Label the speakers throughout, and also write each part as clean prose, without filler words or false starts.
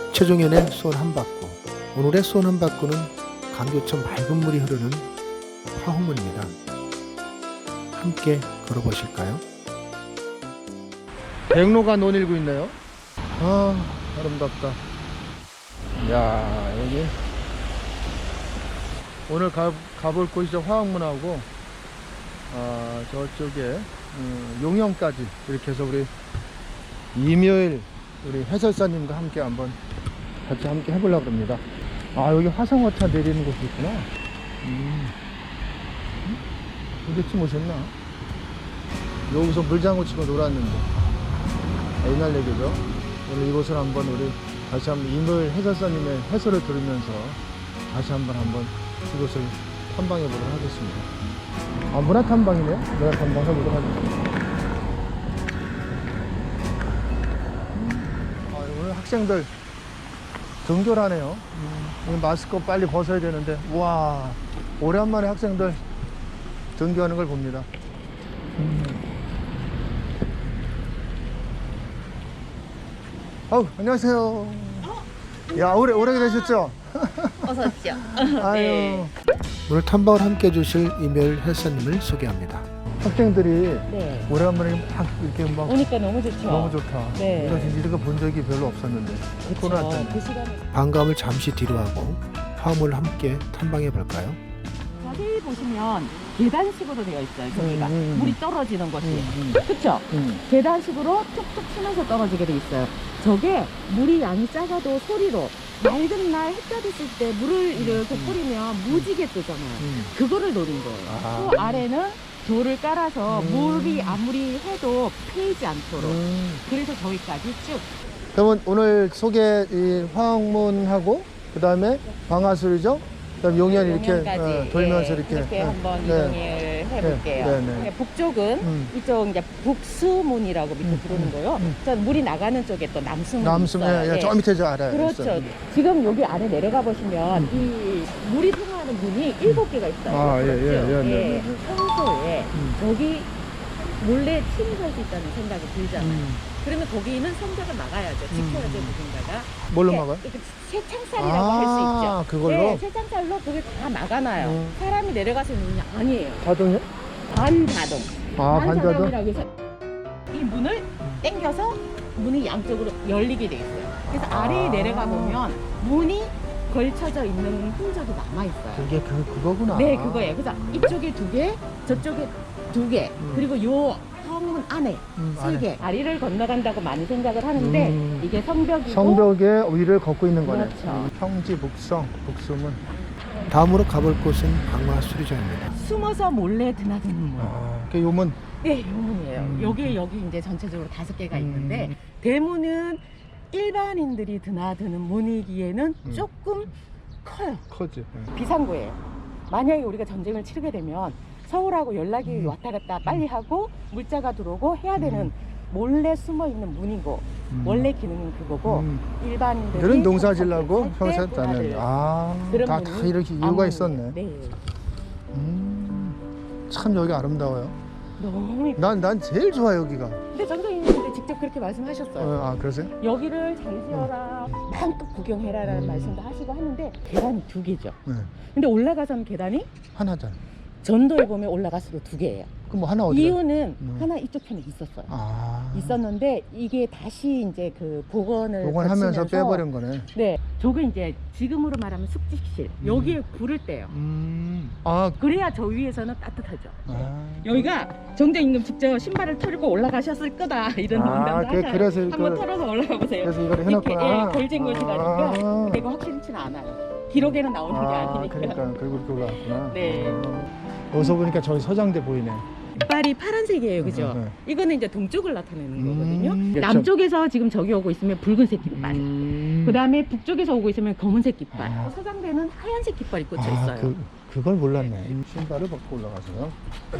Speaker 1: 최종현의 수원 한바구. 오늘의 수원 한바구는 강교천 맑은 물이 흐르는 화홍문입니다. 함께 걸어보실까요? 백로가 논일고 있네요. 아, 아름답다. 야, 여기 오늘 가볼 곳이 저 화홍문하고 저쪽에 용영까지 이렇게 해서 우리 이묘일 우리 해설사님과 함께 한번 같이 함께 해보려고 합니다. 아, 여기 화성어차 내리는 곳이 있구나. 도대체 오셨나? 여기서 물장구 치고 놀았는데 옛날 얘기죠. 오늘 이곳을 한번 우리 다시 한번 이묘일 해설사님의 해설을 들으면서 다시 한번 이곳을 탐방해 보도록 하겠습니다. 아, 문화 탐방이네요. 문화 탐방 해보도록 하겠습니다. 오늘 학생들 등교하네요. 마스크 빨리 벗어야 되는데, 와, 오랜만에 학생들 등교하는 걸 봅니다. 안녕하세요. 야, 오래 되셨죠?
Speaker 2: 어서 오십시오.
Speaker 1: 아유.
Speaker 2: 네.
Speaker 1: 오늘 탐방을 함께 해주실 이묘일 헬사님을 소개합니다. 학생들이
Speaker 2: 네.
Speaker 1: 오랜만에 막 이렇게 막
Speaker 2: 오니까 너무 좋죠.
Speaker 1: 너무 좋다.
Speaker 2: 네.
Speaker 1: 이거 진짜 이런 거 본 적이 별로 없었는데. 코로나
Speaker 2: 그렇죠.
Speaker 1: 때문에.
Speaker 2: 그 시간에
Speaker 1: 반감을 잠시 뒤로 하고 화물을 함께 탐방해 볼까요?
Speaker 2: 자세히 보시면 계단식으로 되어 있어요. 저기가 물이 떨어지는 곳이. 그렇죠? 계단식으로 툭툭 치면서 떨어지게 돼 있어요. 저게 물이 양이 작아도 소리로 맑은 날 해가 됐을 때 물을 이렇게 뿌리면 무지개 뜨잖아요. 그거를 노린 거예요.
Speaker 1: 아.
Speaker 2: 그 아래는 돌을 깔아서 물이 아무리 해도 패이지 않도록. 그래서 저기까지 쭉.
Speaker 1: 그러면 오늘 소개 이 화홍문하고 그 다음에 방아술이죠? 그 다음에 용현 이렇게
Speaker 2: 용현까지,
Speaker 1: 돌면서
Speaker 2: 예,
Speaker 1: 이렇게
Speaker 2: 한번
Speaker 1: 네.
Speaker 2: 이동을 해볼게요.
Speaker 1: 네, 네.
Speaker 2: 예, 북쪽은 이쪽 이제 북수문이라고 밑에 부르는 거요. 저 물이 나가는 쪽에 또 남수문이
Speaker 1: 남순,
Speaker 2: 있어요.
Speaker 1: 저 밑에 저 알아요.
Speaker 2: 그렇죠.
Speaker 1: 있어요.
Speaker 2: 지금 여기 안에 내려가 보시면 이 물이 통하는 문이 7개가 있어요.
Speaker 1: 아, 예,
Speaker 2: 그렇죠?
Speaker 1: 예, 예, 네, 네.
Speaker 2: 평소에 여기 몰래 침입할 수 있다는 생각이 들잖아요. 그러면 거기는 성벽을 막아야죠. 지켜야죠, 누군가가.
Speaker 1: 뭘로
Speaker 2: 네,
Speaker 1: 막아요?
Speaker 2: 이렇게 쇠창살이라고 할 수 있죠.
Speaker 1: 그걸로?
Speaker 2: 네, 쇠창살로 그게 다 막아놔요. 사람이 내려가서 있는 문이 아니에요.
Speaker 1: 자동이요?
Speaker 2: 반자동.
Speaker 1: 아, 반자동?
Speaker 2: 반자동이라고 해서 이 문을 당겨서 문이 양쪽으로 열리게 돼 있어요. 그래서 아래에 내려가 보면 문이 걸쳐져 있는 흔적이 남아있어요.
Speaker 1: 그게 그거구나.
Speaker 2: 네, 그거예요. 그래서 이쪽에 2개, 저쪽에 2개, 그리고 요 성문 안에 3개. 다리를 건너간다고 많이 생각을 하는데 이게 성벽이고
Speaker 1: 성벽의 위를 걷고 있는 거네.
Speaker 2: 그렇죠.
Speaker 1: 평지 북수문. 다음으로 가볼 곳은 방화수리장입니다.
Speaker 2: 숨어서 몰래 드나드는 문.
Speaker 1: 그 요문.
Speaker 2: 네, 요문이에요. 여기 이제 전체적으로 5개가 있는데 대문은 일반인들이 드나드는 문이기에는 조금 커요.
Speaker 1: 커지.
Speaker 2: 비상구예요. 만약에 우리가 전쟁을 치르게 되면 서울하고 연락이 왔다 갔다 빨리 하고 물자가 들어오고 해야 되는 몰래 숨어 있는 문이고 원래 기능은 그거고 일반인들이
Speaker 1: 그런 농사 지려고
Speaker 2: 평소에
Speaker 1: 평소했다는.
Speaker 2: 그런
Speaker 1: 다
Speaker 2: 문이
Speaker 1: 이렇게 이유가
Speaker 2: 아무-
Speaker 1: 있었네.
Speaker 2: 네.
Speaker 1: 참 여기 아름다워요.
Speaker 2: 너무 이쁘.
Speaker 1: 난 제일 좋아 여기가.
Speaker 2: 근데 전도인님도 직접 그렇게 말씀하셨어요.
Speaker 1: 그러세요?
Speaker 2: 여기를 잘 세워라, 마음껏 구경해라라는 말씀도 하시고 하는데 계단이 2개죠.
Speaker 1: 네.
Speaker 2: 근데 올라가서는 계단이
Speaker 1: 하나잖아.
Speaker 2: 전도에 보면 올라갈수록 2개예요.
Speaker 1: 그럼 뭐 하나 어디가?
Speaker 2: 이유는 하나 이쪽 편에 있었어요. 있었는데 이게 다시 이제 그 복원을
Speaker 1: 복원하면서
Speaker 2: 거치면서
Speaker 1: 빼버린 거네.
Speaker 2: 네, 저게 이제 지금으로 말하면 숙직실. 여기에 불을 때요. 그래야 저 위에서는 따뜻하죠. 여기가 정작 임금 직접 신발을 털고 올라가셨을 거다 이런 농담도 하잖아요.
Speaker 1: 그래서
Speaker 2: 한번 털어서 올라가 보세요.
Speaker 1: 그래서 이걸
Speaker 2: 이렇게
Speaker 1: 해놨구나.
Speaker 2: 걸진 곳이라니까. 근데 이거 확실치는 않아요. 기록에는 나오는 게 아니니까.
Speaker 1: 그러니까 그리고 이렇게 올라왔구나.
Speaker 2: 네.
Speaker 1: 여기서 보니까 저기 서장대 보이네.
Speaker 2: 깃발이 파란색이에요, 그죠?
Speaker 1: 네.
Speaker 2: 이거는 이제 동쪽을 나타내는 거거든요.
Speaker 1: 그렇죠.
Speaker 2: 남쪽에서 지금 저기 오고 있으면 붉은색 깃발. 그 다음에 북쪽에서 오고 있으면 검은색 깃발. 서장대는 하얀색 깃발이 꽂혀 있어요.
Speaker 1: 그걸 몰랐네. 신발을 벗고 올라가서요.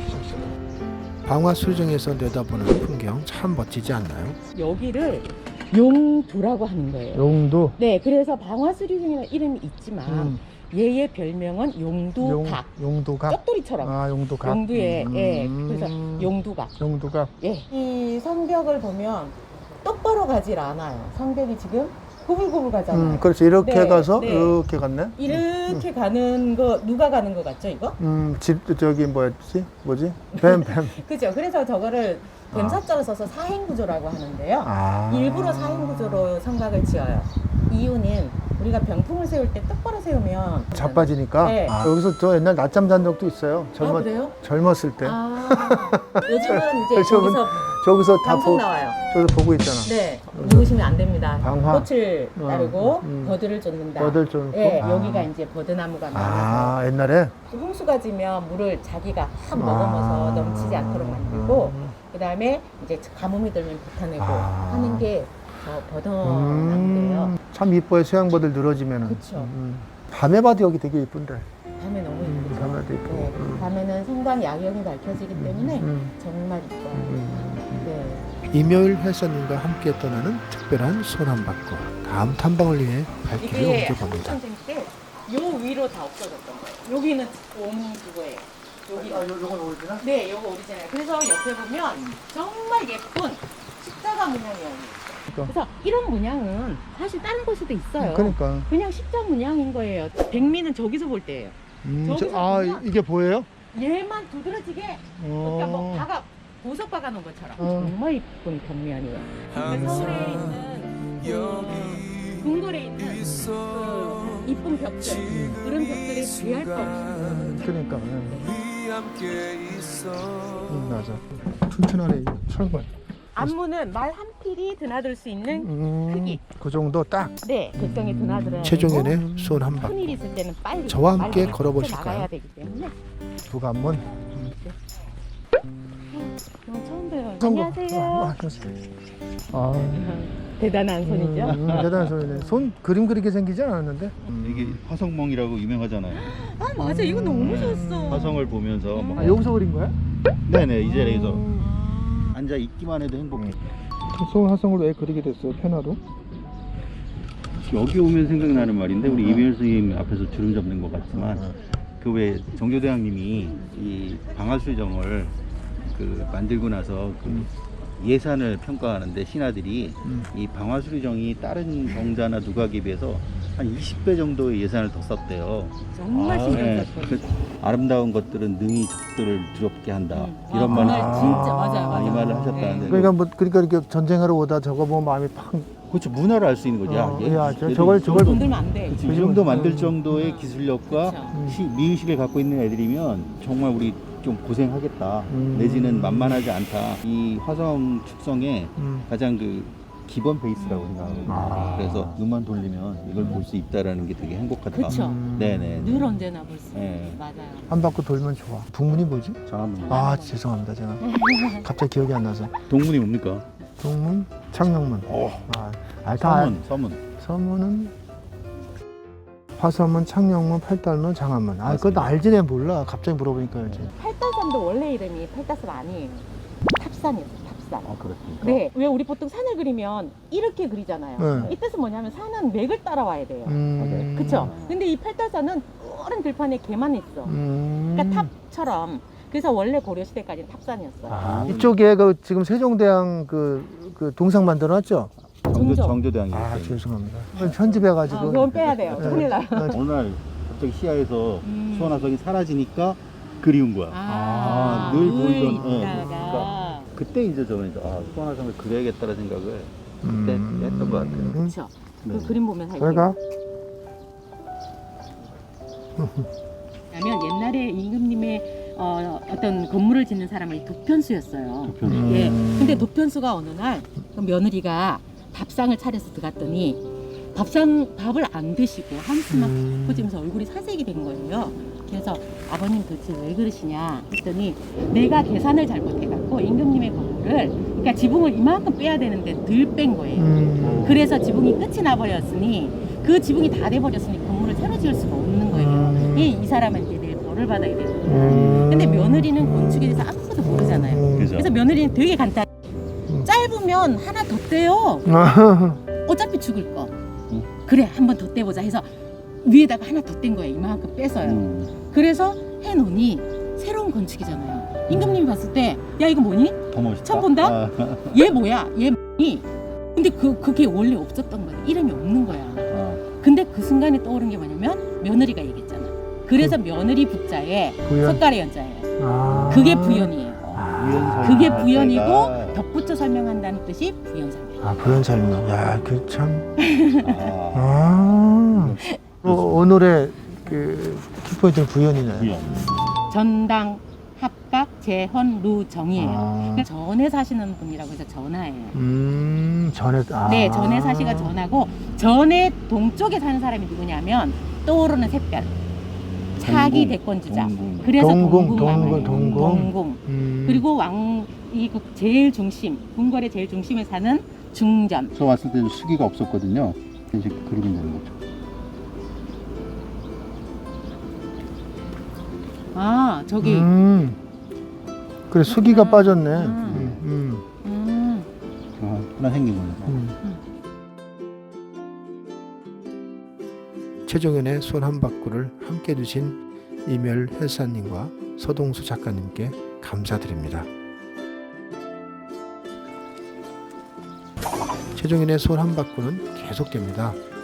Speaker 1: 방화수리장에서 내다보는 풍경 참 멋지지 않나요?
Speaker 2: 여기를 용두라고 하는 거예요.
Speaker 1: 용도.
Speaker 2: 네, 그래서 방화수리장이라는 이름이 있지만 얘의 별명은 용두각.
Speaker 1: 용두각.
Speaker 2: 쪽돌이처럼.
Speaker 1: 용두각.
Speaker 2: 용두에, 예, 그래서 용두각.
Speaker 1: 용두각.
Speaker 2: 예. 이 성벽을 보면 똑바로 가질 않아요. 성벽이 지금 고불고불 가잖아요.
Speaker 1: 그렇지. 이렇게
Speaker 2: 네,
Speaker 1: 가서
Speaker 2: 네.
Speaker 1: 이렇게 갔네.
Speaker 2: 이렇게 가는 거 누가 가는 거 같죠 이거?
Speaker 1: 저기 뭐지? 뱀.
Speaker 2: 그죠. 그래서 저거를 뱀사자로 써서 사행구조라고 하는데요. 일부러 사행구조로 성곽을 지어요. 이유는 우리가 병풍을 세울 때 똑바로 세우면
Speaker 1: 자빠지니까.
Speaker 2: 네.
Speaker 1: 여기서 저 옛날 낮잠 잔 적도 있어요.
Speaker 2: 그래요?
Speaker 1: 젊었을 때.
Speaker 2: 요즘은 이제
Speaker 1: 저분-
Speaker 2: 저기서
Speaker 1: 저기서 다
Speaker 2: 방송 나와요.
Speaker 1: 저기서 보고 있잖아.
Speaker 2: 네, 누우시면 안 됩니다.
Speaker 1: 방화.
Speaker 2: 꽃을 따르고
Speaker 1: 음.
Speaker 2: 버드를 쫓는다.
Speaker 1: 버들 좀.
Speaker 2: 네, 여기가 이제 버드나무가 많아서
Speaker 1: 옛날에.
Speaker 2: 홍수가 지면 물을 자기가 확 머금어서 넘치지 않도록 만들고 그 다음에 이제 가뭄이 들면 뱉어내고 하는 게 저 버드나무인데요.
Speaker 1: 참 이뻐요. 수양버들 늘어지면은.
Speaker 2: 그쵸.
Speaker 1: 밤에 봐도 여기 되게 이쁜데.
Speaker 2: 밤에 너무 예쁘죠.
Speaker 1: 밤에도 이쁘고.
Speaker 2: 네, 밤에는 성곽 야경이 밝혀지기 때문에 정말 이뻐요. 네.
Speaker 1: 이묘일 해선님과 함께 떠나는 특별한 소남받고 다음 탐방을 위해 갈 길을
Speaker 2: 이게
Speaker 1: 옮겨봅니다.
Speaker 2: 한국 전쟁 때 요 위로 다 없어졌던 거예요. 여기는 옴 그거예요. 여기가.
Speaker 1: 요건 오리지나?
Speaker 2: 네, 요거 오리지널. 그래서 옆에 보면 정말 예쁜 십자가 문양이에요. 그래서 이런 문양은 사실 다른 곳에도 있어요.
Speaker 1: 그러니까.
Speaker 2: 그냥 십자 문양인 거예요. 백미는 저기서 볼 때예요. 저기서 보면
Speaker 1: 이게 보여요?
Speaker 2: 얘만 두드러지게 그러니까 뭐 박아 보석 박아 놓은 것처럼 정말 이쁜 벽면이에요. 그러니까 서울에 있는 궁궐에 있는 그 이쁜 벽들 그런 벽들이 비할 거 없어요.
Speaker 1: 그러니까. 맞아. 튼튼하네. 철권.
Speaker 2: 안무는 말 한 필이 드나들 수 있는 크기.
Speaker 1: 그 정도 딱.
Speaker 2: 네, 적정히 드나들어야
Speaker 1: 최종현의
Speaker 2: 되고
Speaker 1: 손 한 방.
Speaker 2: 큰일 있을 때는 빨리
Speaker 1: 저와 함께
Speaker 2: 빨리
Speaker 1: 걸어보실까요?
Speaker 2: 나가야 되기 때문에.
Speaker 1: 부관문.
Speaker 2: 처음 봬요.
Speaker 1: 성공.
Speaker 2: 안녕하세요. 대단한 손이죠.
Speaker 1: 대단한 손이네. 손 그림 그리게 생기지 않았는데.
Speaker 3: 이게 화성멍이라고 유명하잖아요.
Speaker 2: 아 맞아, 이거 너무 좋았어.
Speaker 3: 화성을 보면서 막
Speaker 1: 여기서 그린 거야?
Speaker 3: 네네 이 자리에서 앉아 있기만 해도 행복해.
Speaker 1: 손 화성을 왜 그리게 됐어요? 편화로?
Speaker 3: 여기 오면 생각나는 말인데 우리 이면수 선생님 앞에서 주름 잡는 것 같지만 그 왜 정교대왕님이 이 방화수정을 그 만들고 나서 그 예산을 평가하는데 신하들이 이 방화수리정이 다른 정자나 누각에 비해서 한 20배 정도의 예산을 더 썼대요.
Speaker 2: 정말 신경
Speaker 3: 네.
Speaker 2: 썼거든요.
Speaker 3: 그 아름다운 것들은 능히 적들을 두렵게 한다. 이런
Speaker 2: 그
Speaker 3: 말을
Speaker 2: 말 진짜 맞아요.
Speaker 3: 이 말을 하셨다는데
Speaker 1: 그러니까 이렇게 전쟁하러 오다 저거 보면 마음이 팍.
Speaker 3: 그렇죠. 문화를 알 수 있는 거죠.
Speaker 1: 야,
Speaker 3: 얘들
Speaker 1: 저걸
Speaker 3: 이 정도-
Speaker 2: 건들면 안 돼.
Speaker 3: 그치, 이 정도 만들 정도의 기술력과
Speaker 2: 그쵸.
Speaker 3: 미의식을 갖고 있는 애들이면 정말 우리 좀 고생하겠다.
Speaker 1: 음.
Speaker 3: 내지는 만만하지 않다. 이 화성 축성의 가장 그 기본 베이스라고 생각하거든요. 그래서 눈만 돌리면 이걸 볼 수 있다라는 게 되게 행복하다.
Speaker 2: 그쵸.
Speaker 3: 네네.
Speaker 2: 늘 언제나 볼 수.
Speaker 3: 네.
Speaker 2: 맞아요.
Speaker 1: 한 바퀴 돌면 좋아. 북문이 뭐지?
Speaker 3: 장한문.
Speaker 1: 죄송합니다. 제가 갑자기 기억이 안 나서.
Speaker 3: 동문이 뭡니까?
Speaker 1: 동문, 창녕문. 다
Speaker 3: 서문.
Speaker 1: 서문은 화서문, 창녕문, 팔달문, 장안문. 그것도 알지 내 몰라. 갑자기 물어보니까 알지.
Speaker 2: 팔달산도 원래 이름이 팔달산 아니에요. 탑산이었어요. 탑산.
Speaker 3: 그렇습니까?
Speaker 2: 네, 왜 우리 보통 산을 그리면 이렇게 그리잖아요.
Speaker 1: 네.
Speaker 2: 이 뜻은 뭐냐면 산은 맥을 따라와야 돼요.
Speaker 1: 음.
Speaker 2: 그쵸? 근데 이 팔달산은 푸른 들판에 개만 있어. 그러니까 탑처럼. 그래서 원래 고려시대까지는 탑산이었어요.
Speaker 1: 이쪽에 지금 세종대왕 그 동상 만들어놨죠?
Speaker 3: 정조대왕이
Speaker 1: 죄송합니다. 편집해가지고.
Speaker 2: 그건 빼야 돼요.
Speaker 1: 네.
Speaker 2: 큰일 나요.
Speaker 3: 어느 날 갑자기 시야에서 수원화성이 사라지니까 그리운 거야. 늘 보이던. 그러니까 그때 이제 저는 수원화성을 그려야겠다는 생각을 그때 했던 것 같아요.
Speaker 2: 그렇죠. 그 그림 보면
Speaker 1: 잘
Speaker 2: 살게요.
Speaker 1: 가.
Speaker 2: 왜냐면 옛날에 임금님의 어떤 건물을 짓는 사람이 도편수였어요. 예. 근데 도편수가 어느 날 그 며느리가 밥상을 차려서 들어갔더니 밥을 안 드시고 한숨만 퍼지면서 얼굴이 사색이 된 거예요. 그래서 아버님 도대체 왜 그러시냐 했더니 내가 계산을 잘못해갖고 임금님의 건물을 그러니까 지붕을 이만큼 빼야 되는데 덜 뺀 거예요. 그래서 지붕이 끝이 나버렸으니 그 지붕이 다 돼버렸으니 건물을 새로 지을 수가 없는 거예요. 이 사람은 이제 내일 벌을 받아야 되는 거예요. 근데 며느리는 건축에 대해서 아무것도 모르잖아요. 그래서 며느리는 되게 간단해. 짧으면 하나 더 떼요. 어차피 죽을 거. 그래 한 번 더 떼보자 해서 위에다가 하나 더 뗀 거예요. 이만큼 빼서요. 그래서 해놓으니 새로운 건축이잖아요. 임금님이 봤을 때 야 이거 뭐니?
Speaker 3: 더 멋있다.
Speaker 2: 처음 본다? 얘 뭐야? 얘 뭐니? 근데 그게 원래 없었던 거야. 이름이 없는 거야.
Speaker 3: 아,
Speaker 2: 근데 그 순간에 떠오른 게 뭐냐면 며느리가 얘기했잖아. 그래서 며느리 북자에
Speaker 1: 부연.
Speaker 2: 석가래 연자예요.
Speaker 1: 아.
Speaker 2: 그게 부연이에요.
Speaker 3: 부연
Speaker 2: 그게
Speaker 3: 설명
Speaker 2: 부연이고
Speaker 3: 자체가-
Speaker 2: 덧붙여 설명한다는 뜻이 부연설명.
Speaker 1: 아, 부연 설명. 야, 그 참.
Speaker 3: 아,
Speaker 1: 아. 오늘의 그 키포인트는 부연이네.
Speaker 3: 부연.
Speaker 2: 전당, 합각, 재헌, 루, 정이에요.
Speaker 1: 아.
Speaker 2: 그러니까 전에 사시는 분이라고 해서 전하예요.
Speaker 1: 전에. 아.
Speaker 2: 네, 전에 사시가 전하고 전에 동쪽에 사는 사람이 누구냐면 떠오르는 샛별. 차기
Speaker 3: 동궁,
Speaker 2: 대권주자.
Speaker 3: 동궁.
Speaker 2: 그래서
Speaker 1: 동궁,
Speaker 2: 동궁.
Speaker 1: 동궁.
Speaker 2: 그리고 이 제일 중심, 궁궐의 제일 중심에 사는 중전.
Speaker 3: 저 왔을 때도 수기가 없었거든요. 이제 그러게 되는 거죠.
Speaker 2: 아, 저기.
Speaker 1: 그래, 수기가 빠졌네.
Speaker 3: 아, 하나 생긴 거네.
Speaker 1: 최종현의 손 한 바퀴를 함께 해주신 이멸 헬사님과 서동수 작가님께 감사드립니다. 최종현의 손 한 바퀴는 계속됩니다.